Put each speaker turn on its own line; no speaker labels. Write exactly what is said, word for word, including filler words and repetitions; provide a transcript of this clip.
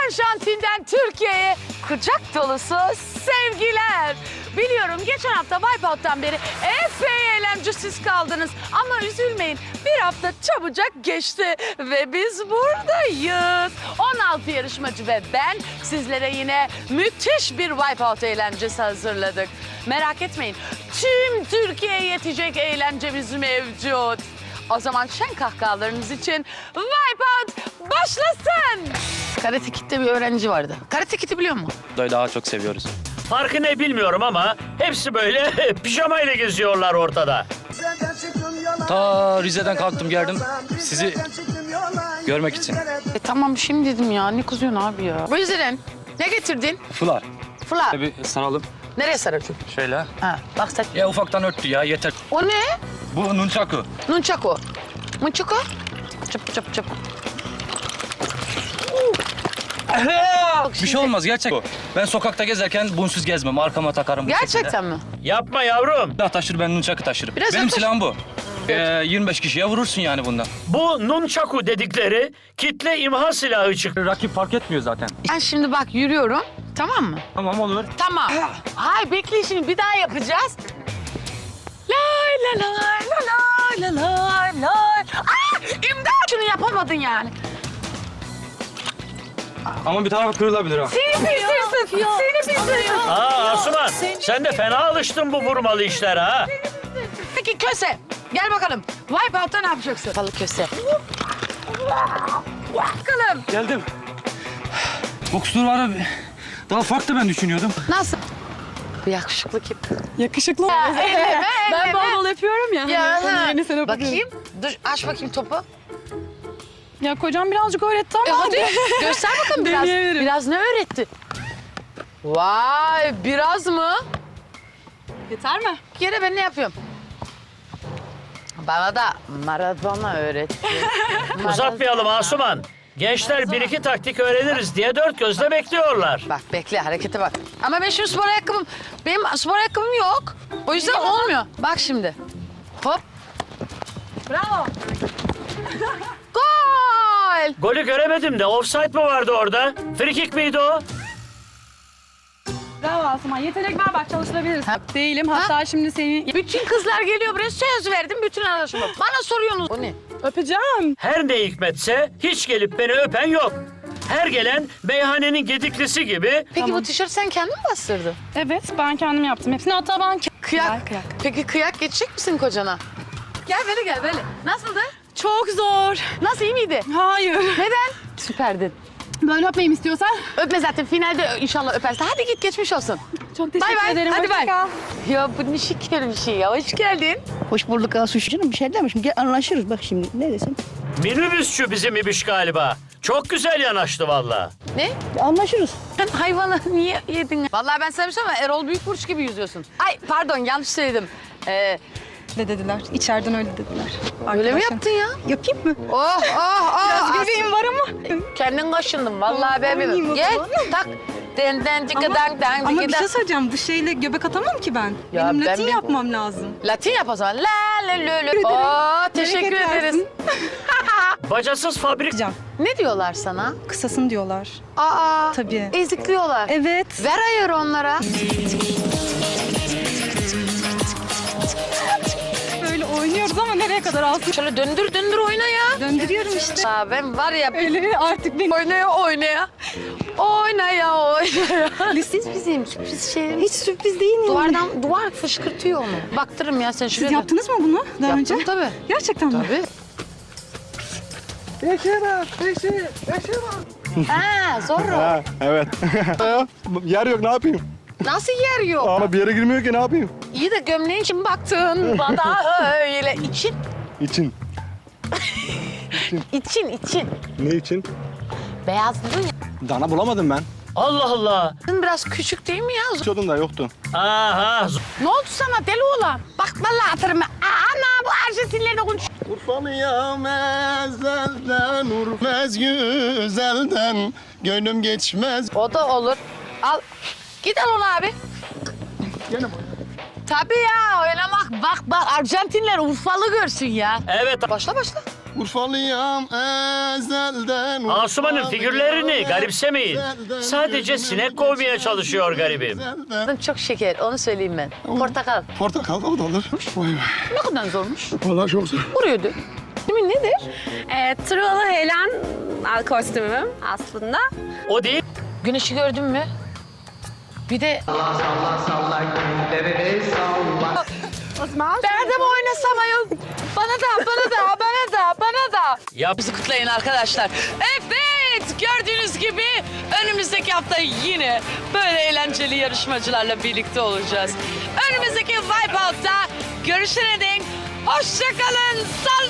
Arjantin'den Türkiye'ye kucak dolusu sevgiler. Biliyorum geçen hafta Wipeout'tan beri epey eğlencesiz kaldınız. Ama üzülmeyin, bir hafta çabucak geçti ve biz buradayız. on altı yarışmacı ve ben sizlere yine müthiş bir Wipeout eğlencesi hazırladık. Merak etmeyin, tüm Türkiye'ye yetecek eğlencemiz mevcut. O zaman şen kahkahalarınız için Wipeout başlasın. Karate Kid'de bir öğrenci vardı. Karate Kid'i biliyor musun?
Daha çok seviyoruz.
Farkı ne bilmiyorum ama hepsi böyle pijamayla geziyorlar ortada.
Ta Rize'den kalktım geldim sizi görmek için.
E tamam şimdi dedim ya, ne kızıyorsun abi ya? Bu yüzden ne getirdin?
Fular.
Fıla.
Bir saralım.
Nereye saracağım?
Şöyle.
Ha, bak sen.
Ya ufaktan örttü ya yeter.
O ne?
Bu nunchaku.
Nunchaku. Nunchaku? Çıp çıp çıp.
Bir şey olmaz gerçek. Ben sokakta gezerken bunsuz gezmem. Arkama takarım bu şekilde.
Gerçekten mi?
Yapma yavrum.
Silah taşır ben nunchaku taşırım.
Biraz
Benim
yaklaş.
silahım bu. Ee, yirmi beş kişiye vurursun yani bundan.
Bu nunchaku dedikleri kitle imha silahı çıktı.
Rakip fark etmiyor zaten.
Ben şimdi bak yürüyorum. Tamam mı?
Tamam olur.
Tamam. Hay bekle şimdi bir daha yapacağız. Lay la lay la lay la lay lay. Aa, imdat! Şunu yapamadın yani.
Ama bir taraf kırılabilir ha.
Seni pis hırsız. Seni pis hırsız.
Aa Asuman, sen de fena alıştın bu vurmalı işlere ha.
Peki köse. Gel bakalım. Wipeout'ta ne yapacaksın? Balık köse. Bakalım.
Geldim. Bokstur var abi. Daha farklı ben düşünüyordum.
Nasıl? Bu yakışıklı kim?
Yakışıklı.
elleme,
Ben
elleme.
bol bol yapıyorum ya.
Ya,
Onun
ha.
yerine sen yapıyorsun.
Bakayım. Dur aç bakayım topu.
Ya kocam birazcık öğretti
E
ama.
hadi göster bakalım biraz.
Deneyebilirim.
Biraz ne öğretti? Vay biraz mı?
Yeter mi?
Bir kere ben ne yapıyorum? Bana da Maradona öğretti.
Uzatmayalım Asuman. Gençler bir iki taktik öğreniriz diye dört gözle bekliyorlar.
Bak bekle harekete bak. Ama ben şimdi spor ayakkabım, benim spor ayakkabım yok. O yüzden olmuyor. Bak şimdi. Hop.
Bravo.
Gol.
Golü göremedim de offside mı vardı orada? Free kick miydi o?
Bravo Asuman. Yetenek var bak çalıştırabiliriz.
Ha.
Değilim. Hatta şimdi seni
Bütün kızlar geliyor buraya söz verdim bütün arkadaşıma. Bana soruyorsunuz. O ne?
öpeceğim.
Her ne hikmetse hiç gelip beni öpen yok. Her gelen meyhanenin gediklisi gibi.
Peki
Tamam.
bu tişört sen kendin mi bastırdın?
Evet ben kendim yaptım hepsini. Hatta ben ke-
Kıyak.
Gel, kıyak.
Peki kıyak geçecek misin kocana? Gel böyle gel böyle. Nasıldı?
Çok zor.
Nasıl iyi miydi?
Hayır.
Neden? Süperdin.
Böyle öpmeyeyim istiyorsan.
Öpme zaten finalde inşallah öpersin. Hadi git geçmiş olsun.
Çok teşekkür
Bay bay,
ederim.
hadi
Hoşça
bay.
kal.
Ya bu ne şeker bir şey ya. Hoş geldin.
Hoş bulduk Asuş. Canım bir şey demişim. Gel anlaşırız bak şimdi. Ne desem?
Minibüsçü bizim ibiş galiba. Çok güzel yanaştı valla.
Ne?
Anlaşırız.
Sen hayvanı niye yedin? Vallahi ben sana bir şey söyleyeyim mi? Erol Büyükburç gibi yüzüyorsun. Ay pardon yanlış söyledim. Ee,
Ne dediler? İçeriden öyle dediler.
öyle mi
Arkadaşım.
yaptın ya?
Yapayım mı?
Oh oh oh.
Biraz
As-
göbeğim var ama.
Kendin kaşındın vallahi ben
Oynayayım
bilmiyorum.
o
Gel
zaman.
tak. Den den tıkı
Ama,
dan dan
ama
tıkı
bir
dan.
şey söyleyeceğim. Bu şeyle göbek atamam ki ben.
Ya
Benim
ben
Latin
bir-
yapmam lazım.
Latin yap o zaman. La la la la. Oo teşekkür
Bereket
ederiz.
versin.
Bacasız fabrik.
Can,
Ne diyorlar sana?
kısasın diyorlar.
Aa.
Tabii.
Ezikliyorlar.
Evet.
Ver ayarı onlara.
Böyle oynuyoruz ama nereye kadar alsın?
Şöyle döndür döndür oyna ya.
Döndürüyorum işte.
Aa, ben var ya
Öyle artık benim.
oynaya oynaya. Oynaya oynaya. Siz bizim sürpriz şeylerimiz.
Hiç sürpriz değil mi?
Duvardan duvar fışkırtıyor onu. Baktırım ya sen şuraya.
Siz
dön.
yaptınız mı bunu daha
Yaptım
önce?
tabii.
Gerçekten mi?
Tabii. Ha zorro.
Ha, evet. Yer yok ne yapayım?
Nasıl yer yok?
Ama bir yere girmiyor ki ne yapayım?
İyi de gömleğin için baktın bana öyle. İçin,
İçin.
için, için.
Ne için?
Beyazladın ya.
Dana bulamadım ben.
Allah Allah.
Biraz küçük değil mi ya?
Çodum da yoktu.
Aha.
Ne oldu sana deli oğlan? Bak vallahi atarım ben. Aa, ana bu Arjantinlerle konuş.
Urfalıyam ezelden, urfez güzelden, gönlüm geçmez.
O da olur. Al. Git al onu abi.
Gene mi?
Tabii ya oynamak. Bak bak Arjantinler Urfalı görsün ya.
Evet.
Başla başla.
Urfalıyam ezelden.
Asuman'ın
Urfalıyam
figürlerini garipsemeyin.
ezelden,
Sadece
gönlüm
sinek kovmaya
geçmez
çalışıyor garibim.
güzelden.
Çok şeker, onu söyleyeyim ben. Portakal.
Portakal da o da olur. Vay vay.
Ne kadar zormuş.
Vallahi çok zor.
Vuruyordu. Değil mi? Nedir?
E, Truvalı Helen kostümüm aslında.
O değil.
Güneşi gördün mü? Bir de... Berdem oynasam ayol. Bana da, bana da, bana da, bana da.
Yap.
Bizi kutlayın arkadaşlar. Evet, gördüğünüz gibi önümüzdeki hafta yine böyle eğlenceli yarışmacılarla birlikte olacağız. Önümüzdeki Wipeout'ta görüşene dek hoşça kalın. Sal